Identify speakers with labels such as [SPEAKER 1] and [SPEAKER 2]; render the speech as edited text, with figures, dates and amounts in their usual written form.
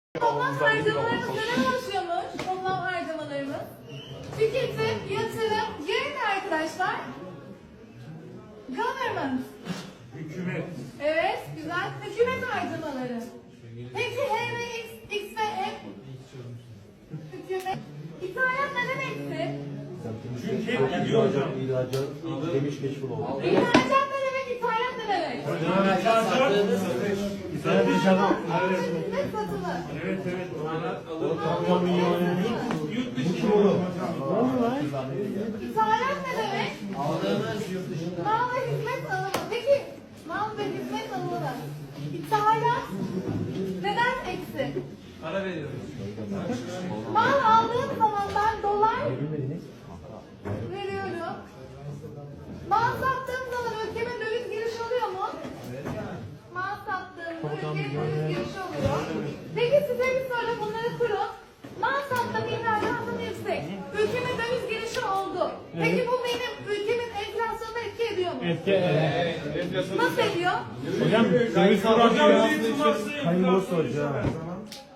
[SPEAKER 1] Toplam harcamalarımız neden oluşuyormuş? Toplam harcamalarımız. Tüketim, yatırım, diğeri ne arkadaşlar? Government.
[SPEAKER 2] Hükümet.
[SPEAKER 1] Evet, güzel. Hükümet harcamaları. Peki H ve X ve M? Hükümet. İthalat neden eksi?
[SPEAKER 2] Çünkü hep gidiyor hocam.
[SPEAKER 3] İhracat demiş meşgul oldu.
[SPEAKER 1] İhracat ne demek? İthalat ne demek? Hizmet satılır.
[SPEAKER 2] Evet.
[SPEAKER 3] Tam milyon.
[SPEAKER 2] Yurt dışı.
[SPEAKER 1] İthalat ne demek? Mal ve hizmet alımı. Peki mal ve hizmet alımı. İthalat neden eksi?
[SPEAKER 2] Para veriyoruz.
[SPEAKER 1] Mal aldığım zaman ben dolar veriyorum. Mal sattığım zaman ülkeme döviz girişi oluyor mu? Mal sattığımda ülkeme döviz girişi oluyor. Peki size bir soru, bunları kurun. Mal sattım, ihracatım yüksek. Ülkeme döviz girişi oldu. Peki bu benim ülkemin enflasyonuna etki ediyor mu?
[SPEAKER 2] Evet.
[SPEAKER 1] Nasıl ediyor?
[SPEAKER 3] Hocam döviz
[SPEAKER 2] Hocam
[SPEAKER 3] kurası
[SPEAKER 2] döviz kurası
[SPEAKER 3] Hayırlı olsun hocam.